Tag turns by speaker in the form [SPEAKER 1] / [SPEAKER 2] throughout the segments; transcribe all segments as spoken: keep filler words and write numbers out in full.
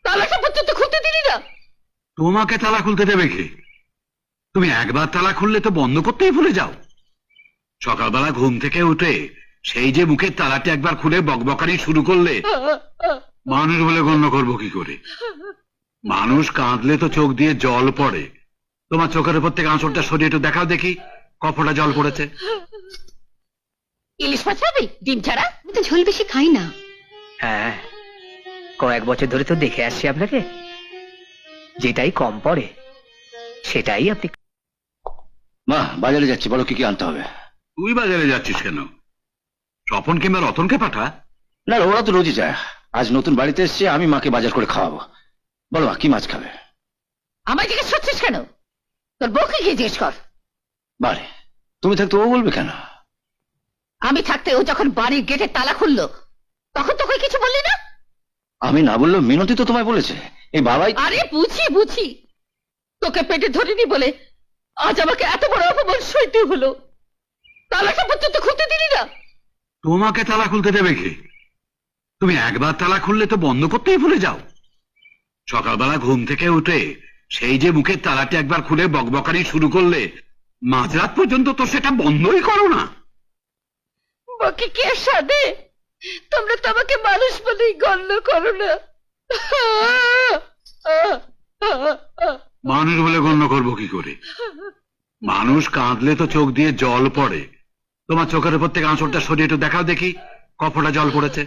[SPEAKER 1] তালাটা পর্যন্ত খুলতে দিলি না।
[SPEAKER 2] তোমাকে তালা খুলতে দেবে কে? তুমি একবার তালা খুললে তো বন্ধ করতেই ভুলে যাও। সকালবেলা ঘুম থেকে উঠে সেই যে মুখের তালাটি একবার খুলে বকবকানি শুরু করলে মানুষ বলে গণ্য করবো কি করে? মানুষ কাঁদলে তো চোখ দিয়ে জল পড়ে। তোমার চোখের উপর থেকে আঁচড়টা সরিয়ে একটু দেখাও দেখি কপটা জল পড়েছে।
[SPEAKER 1] ইলিশ মাছ খাবি ডিম ছাড়া?
[SPEAKER 3] আমি তো ঝোল বেশি খাই না।
[SPEAKER 4] হ্যাঁ, কয়েক বছর ধরে তো দেখে আসছি আপনাকে, যেটাই কম পড়ে সেটাই আপনি।
[SPEAKER 5] মা, বাজারে যাচ্ছি, বলো কি কি আনতে হবে।
[SPEAKER 2] তুই বাজারে যাচ্ছিস কেন? স্বপন কিংবা রতনকে পাঠা।
[SPEAKER 5] না, ওরা তো রোজই যায়। আজ নতুন বাড়িতে এসছে, আমি মাকে বাজার করে খাওয়াবো। বলো মা, কি মাছ খাবে?
[SPEAKER 1] আমায় জিজ্ঞেস করছিস কেন? তোর বউকে গিয়ে জিজ্ঞেস কর।
[SPEAKER 5] বারে, তুমি থাকতে ও বলবে কেন?
[SPEAKER 1] আমি থাকতে ও যখন বাড়ির গেটে তালা খুললো তখন তোকে কিছু বললি না?
[SPEAKER 5] আমি না বললেও মিনতি তো তোমায় বলেছে। এই বাবাই।
[SPEAKER 1] আরে বুঝি বুঝি, তোকে পেটে ধরিনি বলে আজ আমাকে এত বড় অপমান সইতে হলো। তালাটা পর্যন্ত খুলতে দিলি না।
[SPEAKER 2] তোমাকে তালা খুলতে দেবে কে? তুমি একবার তালা খুললে তো বন্ধ করতেই ভুলে যাও। সকালবেলা ঘুম থেকে উঠে সেই যে মুখের তালাটি একবার খুলে বকবকানি শুরু করলে মাঝরাত পর্যন্ত তো সেটা বন্ধই করো না।
[SPEAKER 1] বকে কে সাধে? তোমরা তো আমাকে মানুষ বলেই গণ্য করো না।
[SPEAKER 2] মানুষ বলে গণ্য করবো কি করে? মানুষ কাঁদলে তো চোখ দিয়ে জল পড়ে। তোমার চোখের উপর থেকে আঁচড়টা সরিয়ে একটু দেখাও দেখি কপটা জল পড়েছে।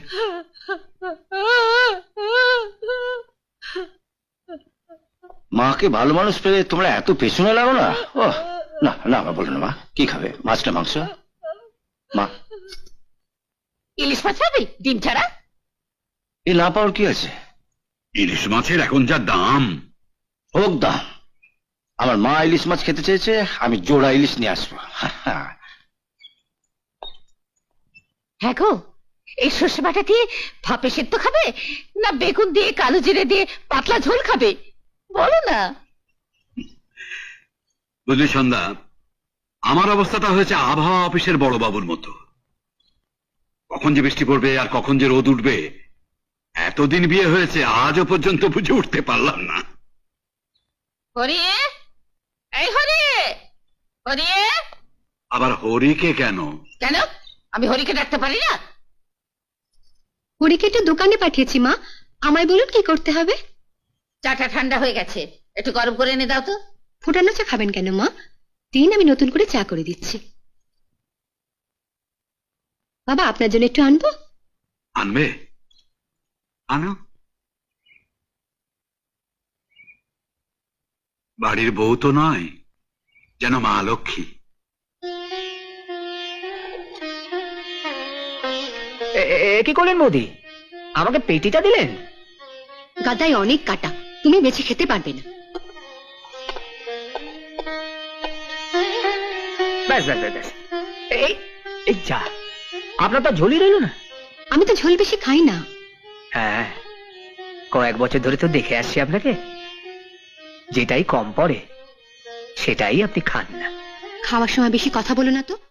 [SPEAKER 5] মাকে ভালো মানুষ পেলে তোমরা এত পেছনে লাগো না। ও না না, মা বলো না। মা কি খাবে, মাছ না মাংস? মা,
[SPEAKER 1] ইলিশ মাছ খাবি ডিম ছাড়া?
[SPEAKER 5] এ না পাওয়ার কি আছে?
[SPEAKER 2] ইলিশ মাছের এখন যা দাম।
[SPEAKER 5] হোক দাম, আমার মা ইলিশ মাছ খেতে চেয়েছে, আমি জোড়া ইলিশ নিয়ে আসবো।
[SPEAKER 1] হ্যাঁ গো, এই সর্ষে বাটা দিয়ে ভাপে সেদ্ধ খাবে না বেগুন দিয়ে কালো জিরে দিয়ে পাতলা ঝোল খাবে বলো না?
[SPEAKER 2] বুঝলি সন্ধ্যা, আমার অবস্থাটা হয়েছে আবহাওয়া অফিসের বড় বাবুর মতো। কখন যে বৃষ্টি পড়বে আর কখন যে রোদ উঠবে, এতদিন বিয়ে হয়েছে আজও পর্যন্ত বুঝে উঠতে পারলাম না।
[SPEAKER 1] হরিয়ে, এই হরিয়ে, হরিয়ে।
[SPEAKER 2] আবার হরিকে কেন?
[SPEAKER 1] কেন আমি হরিকে ডাকতে পারি না?
[SPEAKER 3] হরিকে একটু দোকানে পাঠিয়েছি মা, আমায় বলুন কি করতে হবে।
[SPEAKER 1] চাটা ঠান্ডা হয়ে গেছে, একটু গরম করে এনে দাও তো।
[SPEAKER 3] ফুটানো চা খাবেন কেন মা? দিন, আমি নতুন করে চা করে দিচ্ছি। বাবা, আপনার জন্য একটু আনবো?
[SPEAKER 2] আনবে, আনো। বাড়ির বউ তো নয়, যেন মা লক্ষ্মী।
[SPEAKER 4] কি করলেন মোদি, আমাকে পেটিটা দিলেন?
[SPEAKER 3] গাদায় অনেক কাটা, তুমি বেছে খেতে পারবে না।
[SPEAKER 4] ব্যাস ব্যাস ব্যাস, এই এই যা, আপনার তো ঝোলই রইল না।
[SPEAKER 3] আমি তো ঝোল বেশি খাই না।
[SPEAKER 4] হ্যাঁ, কয়েক বছর ধরে তো দেখে আসছি আপনাকে, যেটাই কম পড়ে সেটাই আপনি খান না।
[SPEAKER 3] খাওয়ার সময় বেশি কথা বলো না তো।